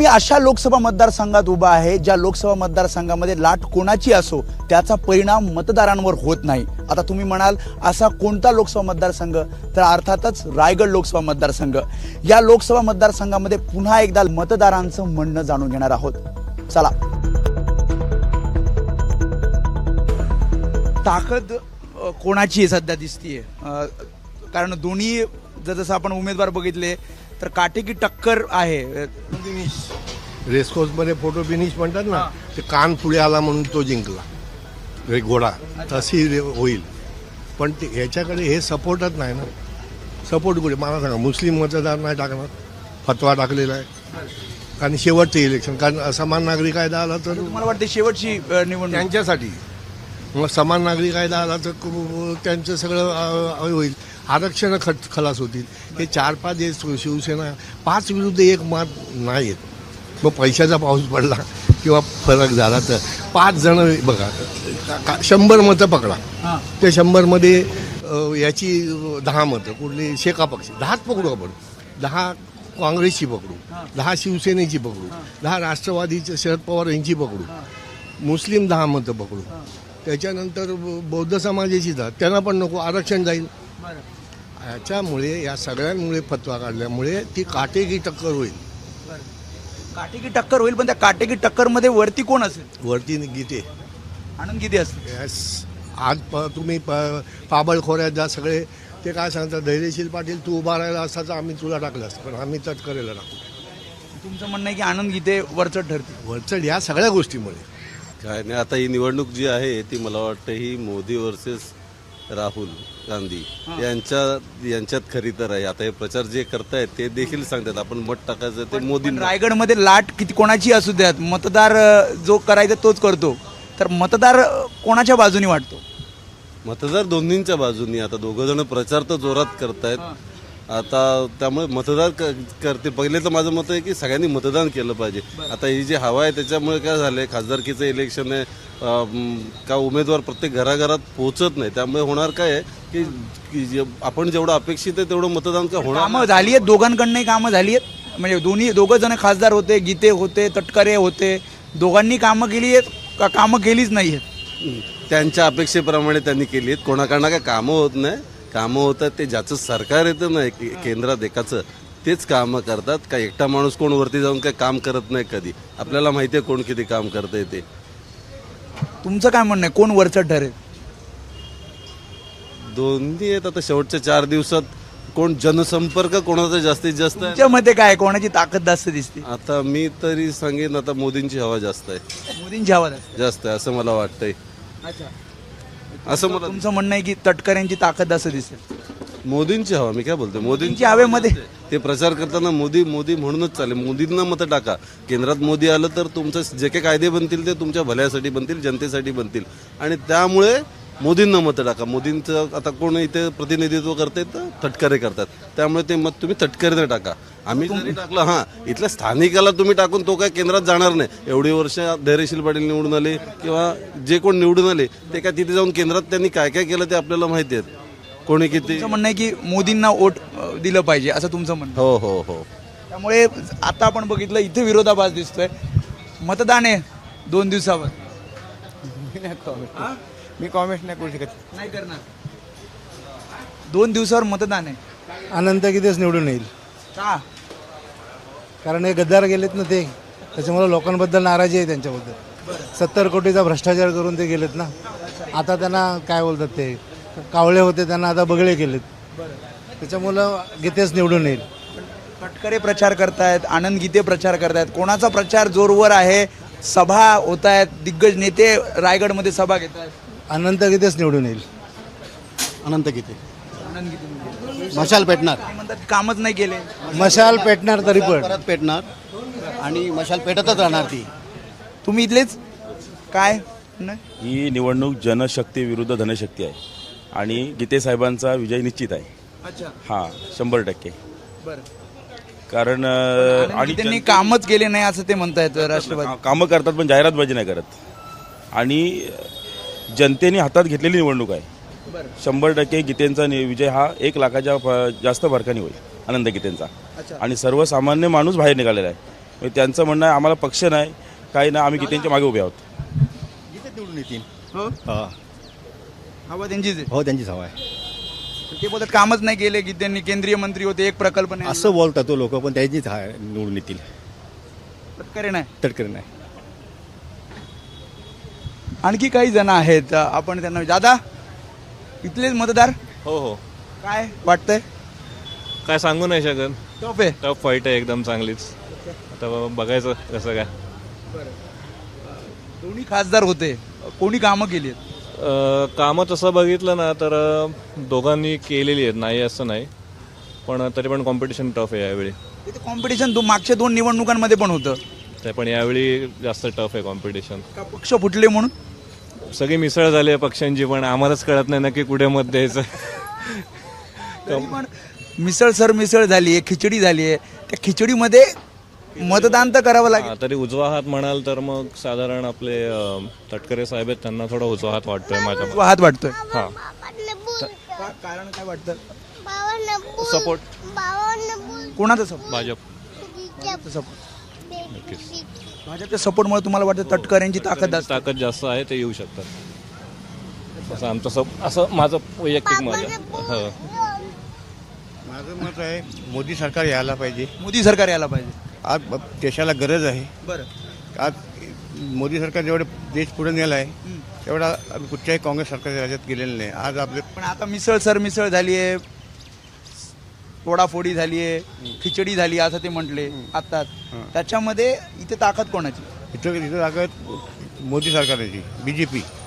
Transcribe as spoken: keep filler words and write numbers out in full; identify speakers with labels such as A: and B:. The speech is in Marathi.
A: मी अशा लोकसभा मतदारसंघात उभा आहे ज्या लोकसभा मतदारसंघामध्ये लाट कोणाची असो त्याचा परिणाम मतदारांवर होत नाही। आता तुम्ही म्हणाल असा कोणता लोकसभा मतदारसंघ, तर अर्थातच रायगड लोकसभा मतदारसंघ। या लोकसभा मतदारसंघामध्ये पुन्हा एकदा मतदारांचं म्हणणं जाणून घेणार आहोत। चला। ताकद कोणाची आहे सध्या दिसतीये, कारण दोन्ही जसं आपण उमेदवार बघितले तर काटेकी टक्कर आहे।
B: फिनिश रेसकोर्स मध्ये फोटो फिनिश म्हणतात ना, ते कान पुढे आला म्हणून तो जिंकला रे घोडा, तशी होईल। पण ते ह्याच्याकडे हे सपोर्टच नाही ना। सपोर्ट कुठे मला सांगा, मुस्लिम मतदार नाही टाकणार, फतवा टाकलेला आहे। कारण शेवटचं इलेक्शन, कारण असमान नागरिक कायदा आला तर
A: मला वाटतं शेवटची निवडणूक
B: त्यांच्यासाठी, मग समान नागरिक कायदा आला तर त्यांचं सगळं होईल, आरक्षण खट खलास होतील। हे चार पाच जे शिवसेना पाच विरुद्ध एक मत नाही आहेत। मग पैशाचा पाऊस पडला किंवा फरक झाला तर पाच जण बघा, शंभर मतं पकडा, त्या शंभरमध्ये याची दहा मतं कुठली शेका पक्ष, दहाच पकडू आपण, दहा काँग्रेसची पकडू, दहा शिवसेनेची पकडू, दहा राष्ट्रवादीच्या शरद पवार यांची पकडू, मुस्लिम दहा मतं पकडू, त्याच्यानंतर बौद्ध समाजाची दहा, त्यांना पण नको, आरक्षण जाईल। याच्यामुळे या सगळ्यांमुळे फतवा काढल्यामुळे ती काटेकी टक्कर होईल।
A: काटेकी टक्कर होईल, पण त्या काटेकी टक्कर मध्ये वरती कोण असेल?
B: वरती गीते,
A: आनंद गीते असेल।
B: यस, आज प तुम्ही प पाबळखोऱ्यात जा सगळे, ते काय सांगतात, धैर्यशील पाटील तू उभा राहिला असता तर आम्ही तुला टाकलं असतं, पण आम्ही तटकरेला टाकू।
A: तुमचं म्हणणं आहे की आनंद गीते वरचढ ठरतील?
B: वरचढ या सगळ्या गोष्टीमुळे
C: काय नाही। आता ही निवडणूक जी आहे ती मला वाटतं ही मोदी वर्सेस राहुल गांधी यांच्या यांच्यात खरी तर आहे। आता हे प्रचार जे करतायत ते देखील सांगतात आपण मत टाकायचं ते मोदी।
A: रायगडमध्ये लाट किती कोणाची असू द्यात, मतदार जो करायचा तोच करतो, तर मतदार कोणाच्या बाजूने वाटतो?
C: मतदार दोन्हींच्या बाजूनी। आता दोघं जण प्रचार तर जोरात करतायत आता, त्यामुळे मतदार करते। पहिले तर माझं मत आहे की सगळ्यांनी मतदान केलं पाहिजे। आता ही जी हवा आहे त्याच्यामुळे काय झालंय, खासदारकीचं इलेक्शन आहे, का उमेदवार प्रत्येक घराघरात पोहोचत नाही, त्यामुळे होणार काय आहे की आपण जेवढं अपेक्षित आहे तेवढं मतदान का होणार।
A: कामं झाली आहेत दोघांकडनंही, कामं झाली आहेत, म्हणजे दोन्ही दोघं जण खासदार होते, गीते होते, तटकरे होते, दोघांनी कामं केली आहेत का कामं केलीच नाही आहेत?
C: त्यांच्या अपेक्षेप्रमाणे त्यांनी केली आहेत। कोणाकडनं काय कामं होत नाही, कामं होतात ते ज्याचं सरकार येतं ना केंद्रात एकाचं, तेच कामं करतात। का एकटा माणूस कोण वरती जाऊन काय काम करत नाही कधी, आपल्याला माहिती आहे कोण किती काम करतंय ते।
A: तुमचं काय म्हणणं आहे, कोण वरचढ ठरेल?
C: दोन्ही आहेत। आता शेवटच्या चार दिवसात कोण जनसंपर्क कोणाचा जास्तीत जास्त आहे?
A: तुमच्या मते काय, कोणाची ताकद जास्त दिसते?
C: आता मी तरी सांगेन आता मोदींची हवा जास्त आहे,
A: मोदींची हवा जास्त
C: जास्त आहे असं मला वाटतंय।
A: अच्छा,
C: असं मला
A: तुमचं म्हणणं आहे की तटकऱ्यांची ताकद जास्त दिसेल?
C: मोदींची हवा, मी काय बोलतोय मोदींची
A: मोदींची हवेमध्ये
C: ते प्रचार करताना मोदी मोदी म्हणूनच चालेल, मोदींना मतं टाका। केंद्रात मोदी आलं तर तुमचं जे काही कायदे बनतील ते तुमच्या भल्यासाठी बनतील, जनतेसाठी बनतील, आणि त्यामुळे मोदींना मतं टाका। मोदींचं आता कोण इथे प्रतिनिधित्व करते तर तटकरे करतात, त्यामुळे ते मत तुम्ही तटकरेने टाका। आम्ही जरी टाकलं, हां इथल्या स्थानिकाला तुम्ही टाकून तो काय केंद्रात जाणार नाही। एवढी वर्ष धैर्यशील पाटील निवडून आले किंवा जे कोण निवडून आले ते काय तिथे जाऊन केंद्रात त्यांनी काय काय केलं ते आपल्याला माहिती आहे, कोणी किती।
A: तुमचं म्हणणं आहे की मोदींना वोट दिलं पाहिजे असं तुमचं म्हणणं?
C: हो हो हो।
A: त्यामुळे आता आपण बघितलं इथे विरोधाभास दिसतोय। मतदान आहे दोन दिवसावर,
D: मी कॉमेंट नाही करू शकत,
A: नाही करणार। दोन दिवसावर मतदान आहे,
D: अनंत गीतेच निवडून येईल,
A: का?
D: कारण हे गद्दार गेलेत ना ते, त्याच्यामुळे लोकांबद्दल नाराजी आहे त्यांच्याबद्दल। सत्तर कोटीचा भ्रष्टाचार करून ते गेलेत ना, आता त्यांना काय बोलतात, ते कावळे होते त्यांना आता बगळे केलेत, त्याच्यामुळं गीतेच निवडून येईल।
A: तटकरे प्रचार करतायत, आनंद गीते प्रचार करतायत, कोणाचा प्रचार जोरवर आहे? सभा होत आहेत, दिग्गज नेते रायगडमध्ये सभा घेत आहेत।
D: अनंत गीतेच निवडून येईल।
E: अनंत गीते,
A: आनंद गीते
E: मशाल पेटणार,
A: म्हणतात कामच नाही केले,
D: मशाल पेटणार तरी पण
E: परत पेटणार आणि मशाल पेटतच राहणार ती।
A: तुम्ही इथलेच काय? नाही,
F: ही निवडणूक जनशक्ती विरुद्ध धनशक्ती आहे आणि गीते साहेबांचा विजय निश्चित आहे।
A: अच्छा,
F: हां, शंभर टक्के।
A: बरं,
F: कारण
A: आणि त्यांनी कामच केले नाही असं ते म्हणतायत राष्ट्रवादी।
F: कामं करतात पण जाहिरातबाजी नाही करत, आणि जनतेने हातात घेतलेली निवडणूक आहे। शंभर टक्के गीतेंचा विजय हा एक लाखाच्या जास्त फरकाने होईल, आनंद गीतेंचा। आणि सर्वसामान्य माणूस बाहेर निघालेला आहे, म्हणजे त्यांचं म्हणणं आहे आम्हाला पक्ष नाही काही नाही, आम्ही गीतेंच्या मागे उभे आहोत.
G: गीते निवडून येतील.
A: हो
G: हा.
A: हवा त्यांचीच आहे.
G: हो त्यांचीच हवा आहे.
A: ते बोलतात कामच नाही केले की त्यांनी केंद्रीय मंत्री होते एक प्रकल्प नाही
G: असं बोलतात तो लोक, पण त्यांचीच हा निवडून येतील.
A: तटकरे नाही.
G: तटकरे नाही.
A: आणखी काही जण आहेत आपण त्यांना दादा इथलेच मतदार
H: हो हो
A: काय वाटतंय
H: काय सांगू नाही शकत.
A: टफ आहे.
H: टफ फाईट आहे एकदम चांगलीच. आता बाबा बघायचं कसं काय.
A: दोन्ही खासदार होते कोणी कामं केली आहेत?
H: अं, कामं तसं बघितलं ना तर अं, दोघांनी केलेली आहेत, नाही असं नाही, पण तरी पण कॉम्पिटिशन टफ आहे यावेळी.
A: तिथे कॉम्पिटिशन दो मागच्या दोन निवडणुकांमध्ये पण होतं
H: ते पण यावेळी जास्त टफ आहे कॉम्पिटिशन.
A: का पक्ष फुटले म्हणून?
H: सगळी मिसळ झाली आहे पक्षांची, पण आम्हालाच कळत नाही नक्की कुठे मत द्यायचं.
A: तरी पण मिसळ सर मिसळ झाली आहे खिचडी झाली आहे त्या खिचडीमध्ये मतदान तर करावं लागेल.
H: हा, तरी उजवा हात म्हणाल तर मग साधारण आपले अं, तटकरे साहेब आहेत, त्यांना थोडा उजवा हात वाटतोय माझ्या मते.
A: हात वाटतोय.
H: हा
A: का- कारण काय वाटतं?
H: सपोर्ट
A: कोणाचा सपोर्ट?
H: भाजप.
A: सपोर्ट
H: नक्कीच.
A: भाजपच्या सपोर्टमुळे तुम्हाला वाटतं तटकऱ्यांची ताकद असते?
H: ताकद जास्त आहे, ते येऊ शकतात असं आमचं सब असं माझं वैयक्तिक मत आहे. हो.
I: माझं मत आहे मोदी सरकार यायला पाहिजे.
A: मोदी सरकार यायला पाहिजे.
I: आज देशाला गरज आहे.
A: बरं.
I: आज मोदी सरकार जेवढे देश पुढे नेला आहे तेवढा आम्ही कुठच्याही काँग्रेस सरकारच्या राज्यात गेलेलं नाही. आज आपले
A: पण आता मिसळ सर मिसळ झाली आहे तोडाफोडी झाली आहे खिचडी झाली असं ते म्हटले आता त्याच्यामध्ये इथे ताकद कोणाची?
I: इथं इथं ताकद मोदी सरकारची बी जे पी